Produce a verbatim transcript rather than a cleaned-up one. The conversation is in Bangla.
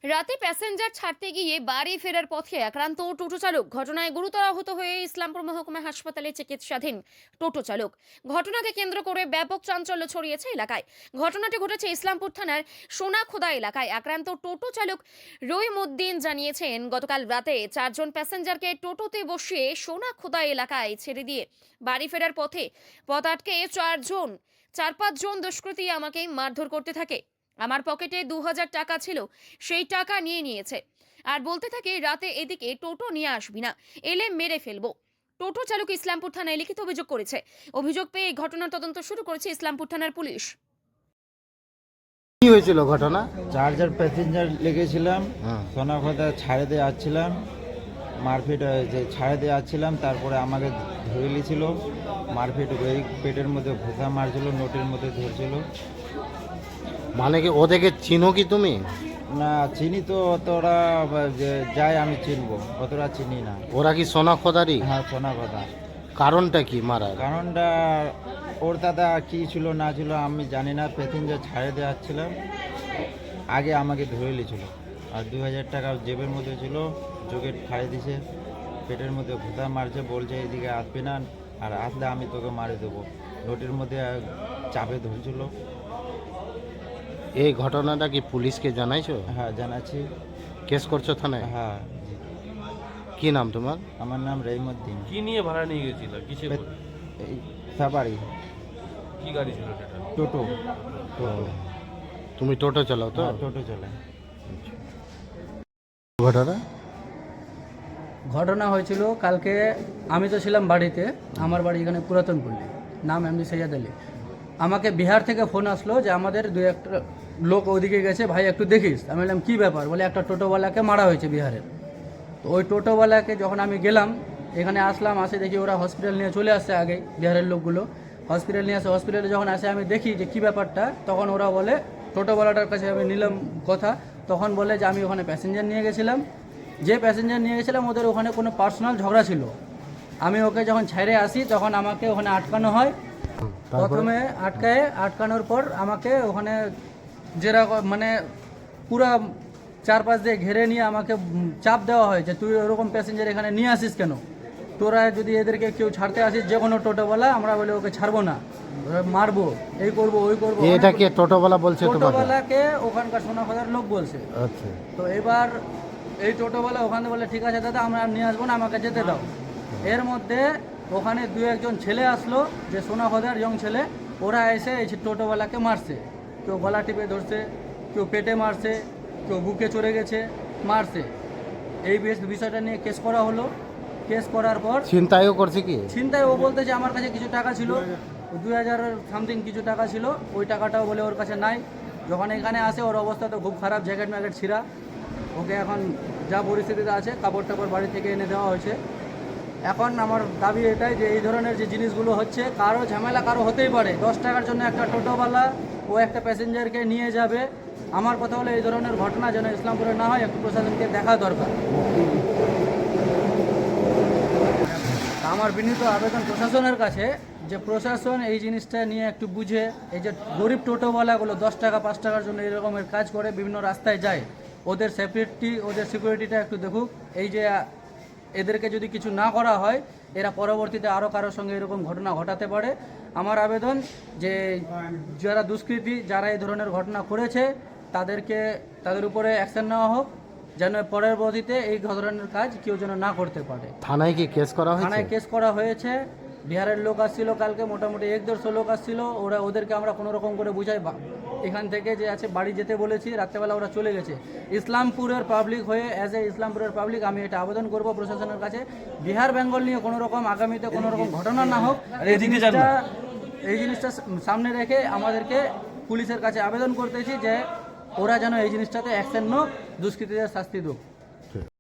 রাতে প্যাসেঞ্জার ছাড়তে গিয়ে বাড়ি ফেরার পথে আক্রান্ত টোটো চালক, ঘটনায় গুরুতর আহত হয়ে ইসলামপুর মহকুমা হাসপাতালে চিকিৎসাধীন টোটো চালক। ঘটনাকে কেন্দ্র করে ব্যাপক চাঞ্চল্য ছড়িয়েছে এলাকায়। ঘটনাটি ঘটেছে ইসলামপুর থানার সোনাখোদা এলাকায়। আক্রান্ত টোটো চালক রহিমউদ্দিন জানিয়েছেন, গতকাল রাতে চারজন প্যাসেঞ্জারকে টোটোতে বসিয়ে সোনাখোদা এলাকায় ছেড়ে দিয়ে বাড়ি ফেরার পথে পথ আটকে চারজন চার পাঁচজন দুষ্কৃতী আমাকে মারধর করতে থাকে। আমার পকেটে দু হাজার টাকা ছিল, সেই টাকা নিয়ে নিয়েছে আর বলতে থাকে, রাতে এদিকে টোটো নিয়ে আসবি না, এলে মেরে ফেলবো। টোটো চালক ইসলামপুর থানায় লিখিত অভিযোগ করেছে। অভিযোগ পেয়ে এই ঘটনার তদন্ত শুরু করেছে ইসলামপুর থানার পুলিশ। কি হয়েছিল ঘটনা? চার্জার প্যাসেঞ্জার লেগেছিলাম, হ্যাঁ। সোনাখোদা ছাড়ে দিয়ে আসছিলাম, মারপিট হয়েছে, ছাড়ে দিয়ে আসছিলাম, তারপরে আমাকে ধরে নিয়েছিল, মারপিট হয়ে পেটের মধ্যে ঘুষা মারছিল, নোটের মধ্যে ধরছিল। মানে কি ওদেরকে চিনো কি তুমি? না চিনি তো, অতটা যে যাই আমি চিনবো, অতটা চিনি না। ওরা কি সোনাখোদারি? হ্যাঁ সোনাখোদা। কারণটা কি মারার? কারণটা ওর দাদা কী ছিল না ছিল আমি জানি না, প্যাসেঞ্জার ছাড়ে দিয়ে আসছিলাম, আগে আমাকে ধরে নিয়েছিল, আর দু হাজার টাকা জেবের মধ্যে ছিল, চোখে খাড়ে দিছে, পেটের মধ্যে ঘুষা মারছে, বলছে এদিকে আসবি না, আর আসলে আমি তোকে মারে দেবো, নোটের মধ্যে চাপে ধরছিল। এই ঘটনাটা কি পুলিশকে জানাইছো? হ্যাঁ জানাচ্ছি। কেস করছো থানায়? হ্যাঁ জি। কি নাম তোমার? আমার নাম রহিমউদ্দিন। কি নিয়ে ভাড়া নিয়ে গেছিল? কিসে করে? এই সাবারি কি গাড়ি ছিল সেটা? টোটো। টোটো। তুমি টোটো চালাও তো? হ্যাঁ, টোটো চালায়। ঘটনা ঘটনা হয়েছিল কালকে। আমি তো ছিলাম বাড়িতে, আমার বাড়ি এখানে পুরাতন পল্লী, নাম এমনি সৈয়দ আলী। আমাকে বিহার থেকে ফোন আসলো যে আমাদের দু একটা লোক ওদিকে গেছে, ভাই একটু দেখিস। আমি বললাম কী ব্যাপার? বলে একটা টোটোওয়ালাকে মারা হয়েছে বিহারের। তো ওই টোটোওয়ালাকে যখন আমি গেলাম, এখানে আসলাম, আসে দেখি ওরা হসপিটাল নিয়ে চলে আসছে, আগে বিহারের লোকগুলো হসপিটাল নিয়ে আসে। হসপিটালে যখন আসে আমি দেখি যে কী ব্যাপারটা, তখন ওরা বলে, টোটোওয়ালাটার কাছে আমি নিলাম কথা, তখন বলে যে আমি ওখানে প্যাসেঞ্জার নিয়ে গেছিলাম, যে প্যাসেঞ্জার নিয়ে গেছিলাম ওদের ওখানে কোনো পার্সোনাল ঝগড়া ছিল। আমি ওকে যখন ছেড়ে আসি তখন আমাকে ওখানে আটকানো হয়। প্রথমে আটকায়, আটকানোর পর আমাকে ওখানে যেরকম মানে পুরা চারপাশ দিয়ে ঘেরে নিয়ে আমাকে চাপ দেওয়া হয় যে তুই ওরকম প্যাসেঞ্জার এখানে নিয়ে আসিস কেন, তোরা যদি এদেরকে কেউ ছাড়তে আসিস যে কোনো টোটোওয়ালা, আমরা বলে ওকে ছাড়বো না, মারবো, এই করবো ওই করবো। এটা কে টোটোওয়ালা বলছে তোমাকে? টোটোওয়ালাকে ওখানকার সোনাখোদার লোক বলছে। আচ্ছা। তো এবার এই টোটোওয়ালা ওখানে বলে ঠিক আছে দাদা আমরা আর নিয়ে আসবো না, আমাকে যেতে দাও। এর মধ্যে ওখানে দু একজন ছেলে আসলো, যে সোনাখোদার ইয়ং ছেলে, ওরা এসে এই টোটোওয়ালাকে মারছে। কেউ গলা টিপে ধরছে, কেউ পেটে মারছে, কেউ বুকে চড়ে গেছে, মারছে। এই বিষয়টা নিয়ে কেস করা হলো। কেস করার পর চিন্তায়ও করছে কি? চিন্তায় ও বলতে যে আমার কাছে কিছু টাকা ছিল, দুই হাজার সামথিং কিছু টাকা ছিল, ওই টাকাটাও বলে ওর কাছে নাই। যখন এখানে আসে ওর অবস্থা তো খুব খারাপ, জ্যাকেট ম্যাকেট ছিঁড়া, ওকে এখন যা পরিস্থিতিতে আছে কাপড় টাপড় বাড়ি থেকে এনে দেওয়া হয়েছে। এখন আমার দাবি এটাই যে এই ধরনের যে জিনিসগুলো হচ্ছে, কারো ঝামেলা কারো হতেই পারে, দশ টাকার জন্য একটা টোটোওয়ালা ও একটা প্যাসেঞ্জারকে নিয়ে যাবে। আমার কথা হলো এই ধরনের ঘটনা যেন ইসলামপুরে না হয়, একটু প্রশাসনকে দেখা দরকার। আমার বিনীত আবেদন প্রশাসনের কাছে যে প্রশাসন এই জিনিসটা নিয়ে একটু বুঝে, এই যে গরিব টোটোওয়ালাগুলো দশ টাকা পাঁচ টাকার জন্য এই রকমের কাজ করে, বিভিন্ন রাস্তায় যায়, ওদের সেফটি ওদের সিকিউরিটিটা একটু দেখুক। এই যে এদেরকে যদি কিছু না করা হয়, এরা পরবর্তীতে আরও কারোর সঙ্গে এরকম ঘটনা ঘটাতে পারে। আমার আবেদন যে যারা দুষ্কৃতী, যারা এই ধরনের ঘটনা করেছে, তাদেরকে তাদের উপরে অ্যাকশন নেওয়া হোক, যেন পরবর্তীতে এই ধরনের কাজ কেউ যেন না করতে পারে। থানায় কি কেস করা হয়েছে? থানায় কেস করা হয়েছে। বিহারের লোক আসছিল কালকে, মোটামুটি এক দেড়শো লোক আসছিল। ওরা ওদেরকে আমরা কোনো রকম করে বুঝাই এখান থেকে যে আছে বাড়ি যেতে বলেছি, রাত্রেবেলা ওরা চলে গেছে। ইসলামপুরের পাবলিক হয়ে, অ্যাজ এ ইসলামপুরের পাবলিক আমি এটা আবেদন করব প্রশাসনের কাছে, বিহার বেঙ্গল নিয়ে কোনো রকম আগামীতে কোনো রকম ঘটনা না হোক, এই জিনিসটা এই জিনিসটা সামনে রেখে আমাদেরকে পুলিশের কাছে আবেদন করতেছি যে ওরা যেন এই জিনিসটাতে অ্যাকশন নোক, দুষ্কৃতীদের শাস্তি দেব।